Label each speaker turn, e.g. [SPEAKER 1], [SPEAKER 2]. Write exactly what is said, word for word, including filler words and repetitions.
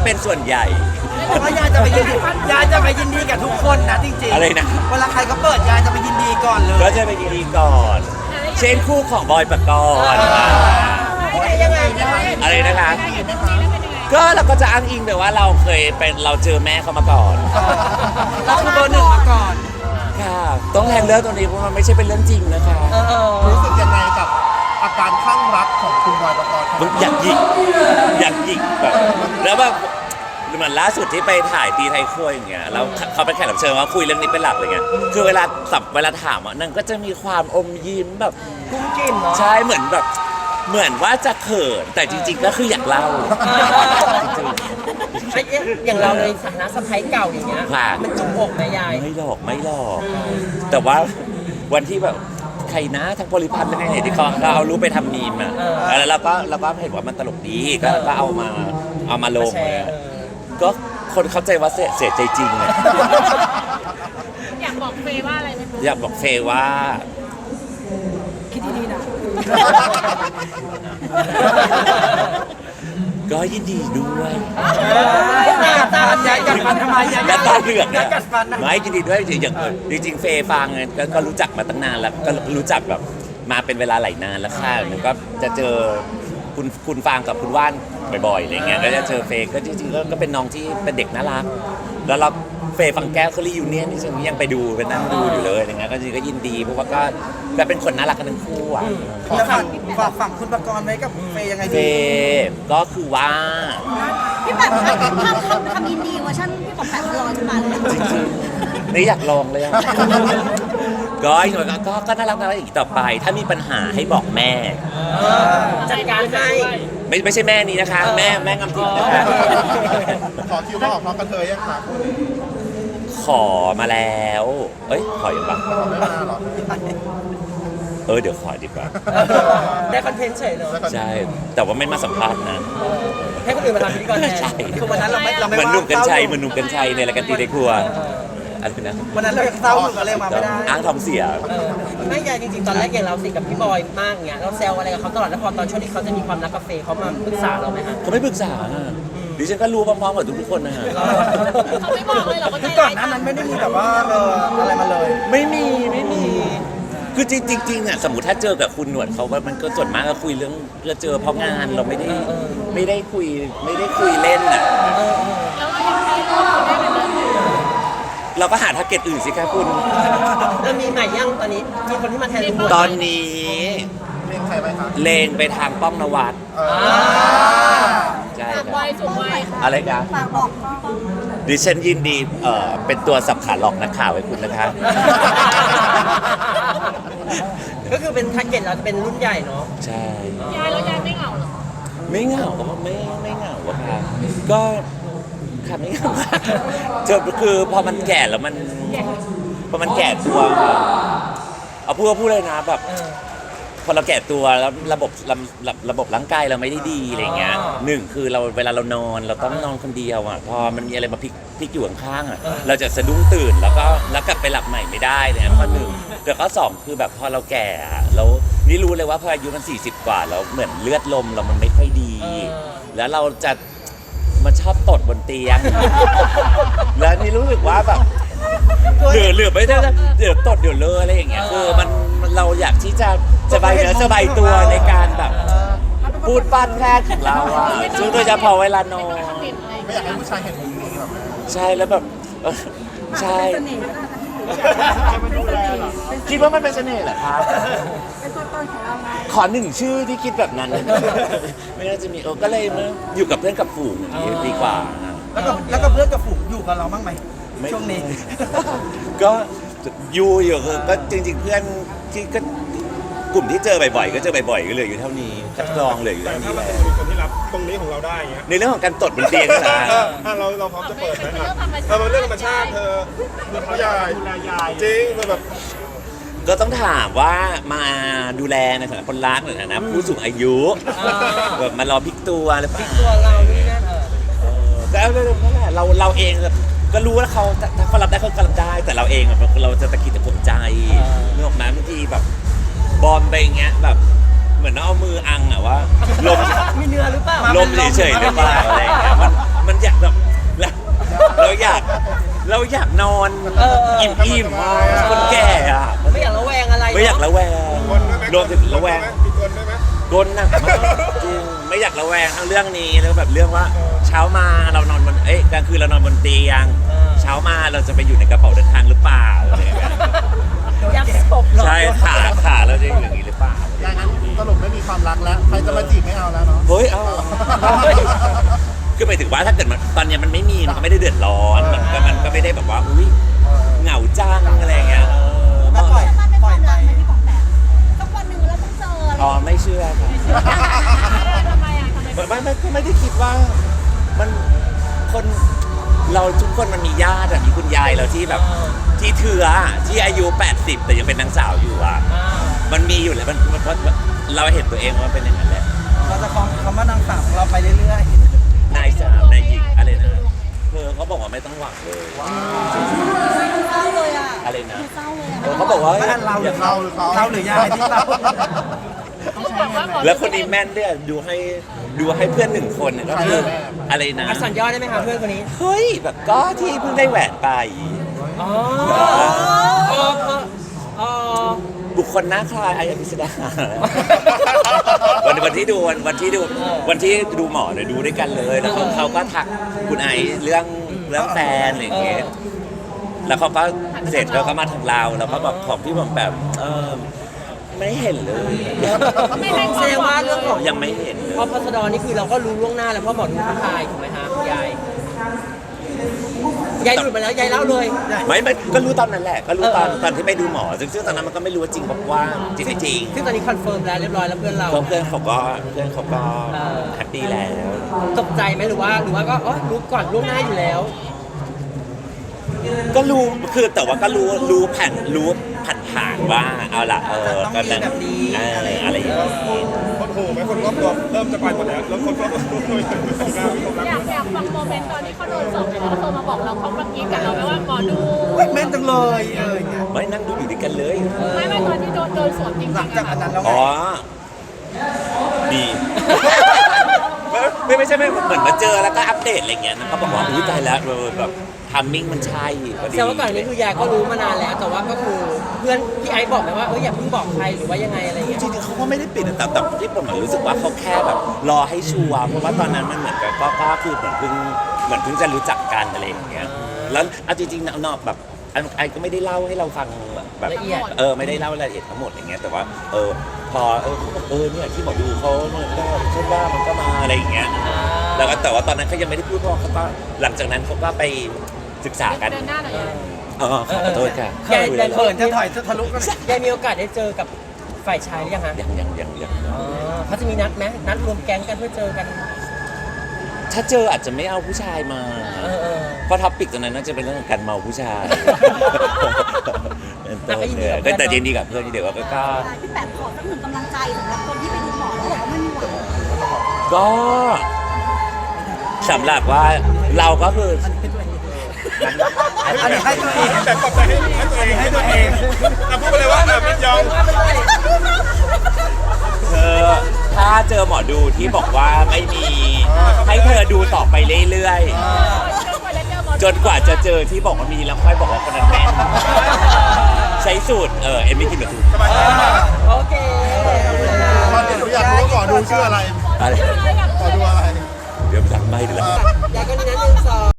[SPEAKER 1] เป็นส่วนใหญ่
[SPEAKER 2] เพราะว่ายายจะไปยินดียายจะไปยินดีกับทุกคนนะจริงๆ
[SPEAKER 1] อะไรนะ
[SPEAKER 2] เวลาใครเขาเปิดยายจะไปยินดีก่อนเลย
[SPEAKER 1] ก็จะไปยินดีก่อน เช่นคู่ของบอยปกรณ์
[SPEAKER 2] ยังไง
[SPEAKER 1] อะไรนะคะก็เราก็จะอ้างอิงแต่ว่าเราเคยเป็นเราเจอแม่เขามาก่อน
[SPEAKER 2] เราคือเบอร์หนึ่งมาก่อน
[SPEAKER 1] ค่ะต้องแทนเรื่องตรงนี้เพราะมันไม่ใช่เป็นเรื่องจริงนะคะ
[SPEAKER 3] รู้สึกยังไงกับอาการคลั่งรักของคุณบอยปกรณ์
[SPEAKER 1] มึงอยากหยิกอยากหยิกแบบแล้วแบบเหมือนล่าสุดที่ไปถ่ายตีไทยครัวอย่างเงี้ยแล้วเขาไปแขกรับเชิญว่าคุยเรื่องนี้เป็นหลักอะไรเงี้ยคือเวลาสับเวลาถามอ่ะนางก็จะมีความอมยิ้มแบบ
[SPEAKER 2] กุ้งกินเนาะ
[SPEAKER 1] ใช่เหมือนแบบเหมือนว่าจะเขินแต่จริงๆก็คืออยากเล่าจริง
[SPEAKER 4] ไอ้เอ๊ะอย่างเราในฐานะสะพ้ายเก่าอย่างเงี้ย
[SPEAKER 1] ค่ะ
[SPEAKER 4] มันจุกอกไหมยาย
[SPEAKER 1] ๆไม่หลอกไม่หลอก แต่ว่าวันที่แบบใครนะทั้งโพลิพัทธ์และเนี่ยที่เขาเขาเอารูปไปทำมีมอ่ะแล้วเราก็เราก็เห็นว่ามันตลกดีก็ก็เอามาเอามาลง
[SPEAKER 4] แชร์เออ
[SPEAKER 1] ก็คนเข้าใจว่าเสียเสียใจจริงเลย
[SPEAKER 5] อยากบอกเฟย์ว่าอะไรไหมคะ
[SPEAKER 1] อยากบอกเฟย์ว่า
[SPEAKER 2] คิดดีๆนะ
[SPEAKER 1] ก็ยินดีด้วย
[SPEAKER 2] ตาใจกัดฟันทำไมยาย
[SPEAKER 1] แล้วตาเหลือก
[SPEAKER 2] ยายกัดฟันนะ
[SPEAKER 1] ไม่ยินดีด้วยจริงๆอย่างจริงๆเฟย์ฟางเนี่ยก็ก็รู้จักมาตั้งนานแล้วก็รู้จักแบบมาเป็นเวลาหลายนานแล้วค่ะหนูก็จะเจอคุณคุณฟางกับคุณว่านบ่อยๆอะไรเงี้ยก็จะเจอเฟย์ก็จริงๆก็ก็เป็นน้องที่เป็นเด็กน่ารักแล้วเราเฟย์ฟังแก้วเคอรี่ยูเนียนนี่ฉันยังไปดูไปนั่งดูอยู่เลยอะไรเงี้ยก็จริงๆก็ยินดีเพราะว่าก็ก็เป็นคนน่ารักกันทั้งคู่อ่ะ
[SPEAKER 2] แล้วฝั่งฝากฝั่งคุณประกรณ์ไว้กับเฟย์ยังไง
[SPEAKER 1] เฟ
[SPEAKER 2] ดี
[SPEAKER 1] ย์ก็คือว่า
[SPEAKER 5] พี่แบบทำทำทำทำอินดีเวอร์ชันพี่บอกแปดร้อยขึ้นมาเลย
[SPEAKER 1] จริงๆนี่อยากลองเลยอะ ก็อีกหน่อยก็ก็ก็น่ารักน่ารักอีกต่อไป ถ้ามีปัญหาให้บอกแม่
[SPEAKER 4] จัดการให้
[SPEAKER 1] ไม่ไม่ใช่แม่นี้นะคะ แม่แม่งำทิพย์นะคะ
[SPEAKER 3] ขอคิวมาออกพร้อมกันเธอยังคะ
[SPEAKER 1] ขอมาแล้ว เอ้ยขอยังปะ
[SPEAKER 3] ขอไม่มาหรอ
[SPEAKER 1] เออเดี๋ยวขอดีกว่า
[SPEAKER 4] ได้คอนเทนต์เฉยเนอะ
[SPEAKER 1] ใช่ แต่ว่าไม่มาสัมภาษณ์นะ
[SPEAKER 4] ให้คนอื่นมาทำพิธีกรแทน
[SPEAKER 1] ใช่
[SPEAKER 2] คือวันนั้นเราไม่เราไม่
[SPEAKER 1] เหมือนหนุ่มกัญชัยเหมื
[SPEAKER 2] ว่า
[SPEAKER 1] อนหนุ่มกัญชัยในรายการตีในครัวอะไรนะ
[SPEAKER 2] วันนั้นเรายังเศร้าอยู่ก็เลยมาไม่ได้
[SPEAKER 1] อ้างท้องเสีย
[SPEAKER 4] เออไม่ยายจริงๆ ตอนแรกอย่างเราสิกับพี่บอยมากเงี้ยเราแซวอะไรกับเขาตลอดแล้วพอตอนช่วงที่เขาจะมีความรักกับเฟย์เขามาปรึกษาเราไหมฮะ
[SPEAKER 1] เขาไม่ปรึกษาอะดิฉันก็รู้พร้อมๆกับทุกๆคนนะฮะ
[SPEAKER 5] เขาไม่บอกเลยเหรอว่า
[SPEAKER 2] คื
[SPEAKER 5] ใจ
[SPEAKER 2] อก่อ
[SPEAKER 5] ร้าน ย
[SPEAKER 2] หน้านั้นไม่ได้มีแบบว่าเอออะไรมาเลย
[SPEAKER 1] ไม่มีไม่มี คือจริงๆจริงๆอ่ะสมมติถ้าเจอกับคุณหนวดเขาว่ามันก็ส่วนมากก็คุยเรื่องเราเจอเพราะงานเราไม่ได้ไม่ได้คุยไม่ได้คุยเล่นอ่ะ
[SPEAKER 5] แล้วเราอยากให้ลูกได้เป็นเรื่องอื่น
[SPEAKER 1] เราก็หาทาร์เก็ตอื่นสิครับคุณ
[SPEAKER 4] แล้วมีใหม่ยังตอนนี้มีคนที่มาแทนลุงพล
[SPEAKER 1] ตอนนี้
[SPEAKER 3] เรียกใครไหมคะ
[SPEAKER 1] เลงไปทางป้องนวัด
[SPEAKER 3] เออ
[SPEAKER 1] ใช่
[SPEAKER 5] ฝาก
[SPEAKER 1] ค
[SPEAKER 5] ไว้
[SPEAKER 1] รับ
[SPEAKER 5] สูงไว้ค่ะ
[SPEAKER 1] อะไรกัน
[SPEAKER 5] ฝากบอกพ่อ
[SPEAKER 1] ดิฉันยินดีเอ่อเป็นตัวสับขาหลอกนักข่าวให้คุณนะคะ
[SPEAKER 4] ก็คือเป็นแท็กเก็ตเราจะเป็นรุ่นใหญ่เนาะ
[SPEAKER 1] ใช่
[SPEAKER 5] ยายแล้วยายไม่เหงาเหรอ
[SPEAKER 1] ไม่เหงาก็ไม่ไม่เหงาอะค่ะก็ค่ะไม่เหงาเจอคือพอมันแก่แล้วมันพอมันแก่ตัวเอาพูดก็พูดเลยนะแบบพอเราแก่ตัวแล้วระบบระระระบบร่างกายเราไม่ได้ดีอะไรเงี้ยหนึ่งคือเราเวลาเรานอนเราต้องนอนคนเดียวอ่ะพอมันมีอะไรมาพลิกพลิกอยู่ข้างๆอ่ะเราจะสะดุ้งตื่นแล้วก็แล้วกลับไปหลับใหม่ไม่ได้เลยนะข้อหนึ่งแต่ข้อสองคือแบบพอเราแก่อะแล้วนี่รู้เลยว่าพออายุมันสี่สิบกว่าแล้วเหมือนเลือดลมเรามันไม่ค่อยดี แล้วเราจะมันชอบตดบนเตียง แล้วนี่รู้สึกว่าแบบเหลือเหลือไม่ได้เดี๋ยวตดเดี๋ยวเลอะอะไรอย่างเงี้ยคือมันมันเราอยากที่จะสบายเนื้อสบายตัวในการแบบพูดปั้นแพทย์ของเราอะซึ่งโดยเฉพาะเวลานอน
[SPEAKER 3] ไม่อยากให้ผู้ชายเห็นมุมนี้แบบ
[SPEAKER 1] ใช่แล้วแบบเออใช่คิดว่ามันเป็นเสน่ห์เหรอครับ
[SPEAKER 5] เป็นตัวตนของเราไง
[SPEAKER 1] ขอหนึ่งชื่อที่คิดแบบนั้น ไม่น่าจะมีเออก็เลยมาอยู่กับเพื่อนกับฝูงดีกว่า
[SPEAKER 2] แล้วก็แล้วก็เพื่อนกับฝูงอยู่กับเราบ้างไหม
[SPEAKER 1] ไม่
[SPEAKER 2] ช่วงนี้
[SPEAKER 1] ก็อยู่อยู่คือก็จริง ๆ เพื่อนที่ก็กลุ่มที่เจอบ่อยๆก็เจอบ่อยๆก็เหลืออยู่เท่านี้คัดกรองเหลืออยู่
[SPEAKER 6] แต่
[SPEAKER 1] เท่า
[SPEAKER 6] ถ้า
[SPEAKER 1] นี้
[SPEAKER 6] มัน
[SPEAKER 1] แหละ
[SPEAKER 6] จะมีคนที่รับตรงนี้ของเราได้อย่างเงี้ย
[SPEAKER 1] ในเรื่องของการตดบนเตียงนะ
[SPEAKER 6] เอออ่ะเราเราพร้อมจะเปิดไหมอ่ะเออมันเรื่องธรรมชาติเธอคือเขายายจริงมันแบบ
[SPEAKER 1] ก็ต้องถามว่ามาดูแลในฐานะคนรักหรือฐานะผู้สูงอายุแบบมารอพลิกตัวหรือเปล่า
[SPEAKER 4] ตัวเรานี่นั่นเออ
[SPEAKER 1] เออแต่เอาเรื่องนั่นแหละเราเราเองก็รู้ว่าเขาถ้าเขารับได้เขาก็รับได้ แต่เราเองอะเราจะตะกิดตะขวงใจนึกออกไหมบางทีแบบบอลไปอย่างเงี้ยแบบเหมือนเอามืออังอะว่าลม
[SPEAKER 4] มีเนื้อหรือเปล่า
[SPEAKER 1] ลมเฉยๆหรือเปล่าอะไรอย่างเงี้ยมันมันอยากอยากเราอยากนอน
[SPEAKER 4] เออเออ
[SPEAKER 1] อิ่มๆอะคนแก่อะ
[SPEAKER 4] ไม่อยากระแวงอะไร
[SPEAKER 1] ไม่อยาก
[SPEAKER 4] เน
[SPEAKER 1] ระแวง
[SPEAKER 6] คนด้วยไหม
[SPEAKER 1] รวมถึงระแวง
[SPEAKER 6] มีคนด้วยไหม
[SPEAKER 1] กลหนักมากจริงไม่อยากระแวงทั้งเรื่องนี้แล้วแบบเรื่องว่าเช้ามาเรานอนบนเอ้ยกลางคืนเรานอนบนเตียง เช้ามาเราจะไปอยู่ในกระเป๋าเดินทางหรือเปล่าอะไรอย่างเงี้ย
[SPEAKER 4] ยักษ์ศพเหรอ
[SPEAKER 1] ใช่ขาขาเราจะอยู่อย่างนี้หรือเปล่า
[SPEAKER 3] อย่างนั้นสรุปไม่มีความรักแล้ว ใครจะมาจีบไม่เอาแล้วเนาะ
[SPEAKER 1] เฮ้ย เอาคือไปถึงว่าถ้าเกิดมันตอนเนี้ยมันไม่มีมันก็ไม่ได้เดือดร้อนมันก็มันก็ไม่ได้แบบว่าอุ้ยเหงาจังอะไรอย่างเงี้ยเออ
[SPEAKER 5] แล้วปล่อยปล่อยไปพี่ป๋องแปมสักวันหนึ่งเราต้องเจออะไร
[SPEAKER 1] อ๋อไม่เชื่อค่ะ
[SPEAKER 5] ทำไมอ่ะทำไม
[SPEAKER 1] ไม่ไม่ก็ไม่ได้คิดว่ามันคนเราทุกคนมันมีญาติอะมีคุณยายเราที่แบบที่เถื่อที่อายุแปดสิบแต่ยังเป็นนางสาวอยู่อ่ะ
[SPEAKER 4] อ่า
[SPEAKER 1] มันมีอยู่แล้วมันมันเพราะเราเห็นตัวเองว่าเป็นอย่างนั้นแหละ
[SPEAKER 2] เราจะคองคำว่านางสาวของเราไปเรื่อย
[SPEAKER 1] นายสาวนายหญิงอะไรนะเธอเขาบอกว่าไม่ต้องหวังเลย
[SPEAKER 5] เศร้าเลยอ่ะ
[SPEAKER 1] อะไรนะ
[SPEAKER 5] เศร้าเลย
[SPEAKER 1] เออเขาบอกว่า
[SPEAKER 2] ๆบ้านเราหรือเขา
[SPEAKER 3] หรือเขา
[SPEAKER 2] เราหรือยายที่เรา
[SPEAKER 1] แล้วคนนี้แม่นด้วยดูให้ดูให้เพื่อนหนึ่งคนเนี่ยก็คืออะไรนะ
[SPEAKER 4] อักษรย่อได้ไหมคะเพื่อนคนนี้
[SPEAKER 1] เฮ้ยแบบก็ที่เพิ่งได้แหวนไป
[SPEAKER 4] อ๋ออ๋ออ๋อ
[SPEAKER 1] บุคคลหน้าคล้ายไอ้อภิสดาวันวันที่ดูวันวันที่ดูวันที่ดูหมอเนี่ยดูด้วยกันเลยแล้วเขาเขาก็ทักคุณไอเรื่องเรื่องแฟนอะไรอย่างเงี้ยแล้วเขาก็เสร็จแล้วก็มาทางเราแล้วก็แบบของพี่ผมแบบเออไม่เห็นเลย
[SPEAKER 4] ไม่ให้แสดงว่าเรื่องของ
[SPEAKER 1] ยังไม่เห็นเลย
[SPEAKER 4] พอพัสดรนี่คือเราก็รู้ล่วงหน้าแล้วเพราะหมอดูทักทายถูกไหมฮะยายยายหลุดมาแล้วยายเล่าเลย
[SPEAKER 1] ไม่ไม่ก็รู้ตอนนั้นแหละ ก็รู้ตอน
[SPEAKER 4] เออ
[SPEAKER 1] ตอนที่ไปดูหมอซึ่งซึ่งตอนนั้นมันก็ไม่รู้ว่าจริงบอกว่าจริงไม่จริง
[SPEAKER 4] ซึ่งตอนนี้คอนเฟิร์มแล้วเรียบร้อยแล้วเพื่อนเรา
[SPEAKER 1] เพราะเพื่อนเขาก็เพื่อนเขาก็
[SPEAKER 4] เออ
[SPEAKER 1] แฮปปี้แล้ว
[SPEAKER 4] ตกใจไหมหรือว่าหรือว่าก็อ๋อรู้ก่อนล่วงหน้าอยู่แล้ว
[SPEAKER 1] ก็รู้คือแต่ว่าก็รู้รู้ผ่านรู้ผ่านผ่านๆว่าเอาละเออ
[SPEAKER 2] ต้อง
[SPEAKER 1] ก็
[SPEAKER 2] มีแบบนี้
[SPEAKER 1] เอออะไรอย่างเงี้ย
[SPEAKER 6] คนโหไหมคนรอบตัวเริ่มจะไปหมดแล้วแล้วคนรอบตัวคุยกันไม่ต้องการไม่ต้องการ
[SPEAKER 7] อยากอยากฟังโมเมนต์ตอนที่เขาโดนสอบไปแล้วโทรมาบอกเราเขาเมื่อกี้กับเราไหมว่าหมอดู
[SPEAKER 2] แม่นจังเลยเอออย่างเงี้ย
[SPEAKER 1] ไม่นั่งดูอยู่ด้วยกันเลย
[SPEAKER 7] ไม่ไม่ตอนที่โดนโดนสวมจริง
[SPEAKER 2] หลัง
[SPEAKER 7] ๆ
[SPEAKER 2] จาก
[SPEAKER 7] อะ
[SPEAKER 2] อันนั้นแล้วไง
[SPEAKER 1] อ๋อดี ไม่ไม่ใช่ไม่เหมือนมาเจอแล้วก็อัปเดตอะไรเงี้ยนะเขาบอกว่าอุ้ยตายแล้วเออแบบทัมมิ่งมันใช่พอดี
[SPEAKER 4] แสดงว่าก่อนอันนี้คือยายก็รู้มานานแล้ว แต่ว่าก็คือเพื่อนพี่ไอซ์บอกไหมว่าเอออย่าเพิ่งบอกใครหรือว่ายังไงอะไรอย่างเงี้ย
[SPEAKER 1] จริงๆเขาก็ไม่ได้ปิดนะแต่แต่ที่ผมรู้สึกว่าเขาแค่แบบรอให้ชัวร์เพราะว่าตอนนั้นมันเหมือนกับก็ก็คือเหมือนเพิ่งเหมือนเพิ่งจะรู้จักกันอะไรอย่างเงี้ยแล้วเอาจริงๆนอกแบบไอ้ไอ้ก็ไม่ได้เล่าให้เราฟังแบบ
[SPEAKER 4] ละเอียด
[SPEAKER 1] เออไม่ได้เล่ารายละเอียดทั้งหมดอย่างเงี้ยแต่ว่าเออพอเออเขาบอกเออเนี่ยที่หมอดูเขาเนี่ยก็เช่นว่ามันก็มาอะไรอย่างเงี้ยแล้วก็แต่ว่าตอนนั้นเขายังไม่ได้พูดเพราะเขาก็หลังจากนั้นเขาก็ไปศึกษากัน
[SPEAKER 7] เดินหน้าหน่อย
[SPEAKER 1] อ๋อขอโทษค่ะ
[SPEAKER 4] ยาย
[SPEAKER 1] คุย
[SPEAKER 4] ยาย
[SPEAKER 1] แล้ว
[SPEAKER 4] เขิน
[SPEAKER 2] จะถอยจะทะลุกันเลย
[SPEAKER 4] ยายมีโอกาสได้เจอกับฝ่ายชายหรือยังฮะ
[SPEAKER 1] ยังยังยังยัง
[SPEAKER 4] อ๋อเขาจะมีนัดไหมนัดรวมแก๊งกันเพื่อเจอกัน
[SPEAKER 1] ถ้าเจออาจจะไม่เอาผู้ชายมา
[SPEAKER 4] เออเออ
[SPEAKER 1] เพราะท็อปิกตรงนั้นน่าจะเป็นเรื่องของการเมาผู้ชาย
[SPEAKER 4] แต่ก็ยินดีกับเพื่
[SPEAKER 1] ก็
[SPEAKER 4] อน
[SPEAKER 1] แต่ยินดีกับเพื่อนที่เดี๋ยวก็ก็
[SPEAKER 5] พี่แปมขอสักหนึ่งกำลังใจสำหรับคนที่ไปดูหมอแล้วบอกว่าไม่มีหวัง
[SPEAKER 1] ก็สำหรับว่าเราก็คือ
[SPEAKER 2] อันนี้ให้ตัวเอง
[SPEAKER 6] แต่ปลอบใจให้ให้ตัวเองให้ตัวเองอ่ะพูดไปเลยว่าอ่ะพี่ยอง
[SPEAKER 1] เธอถ้าเจอหมอดูที่บอกว่าไม่มี ให้เธอดูต่อไปเรื่อยๆ จนกว่าจะเจอที่บอกว่ามีแล้วค่อยบอกว่าคนนั้นแม่นใช้สูตรเออเอ็มไม่กินแบบถูก
[SPEAKER 6] สบายใจมาก
[SPEAKER 4] โอเค
[SPEAKER 3] ตอนนี้หนูอยากรู้ว่าหมอดูชื่ออะไร
[SPEAKER 1] อะไร
[SPEAKER 3] หมอดูอะไร
[SPEAKER 1] เดี๋ยวสั่งไม่เดี๋ยว
[SPEAKER 4] ยายก็นี่นัดนึง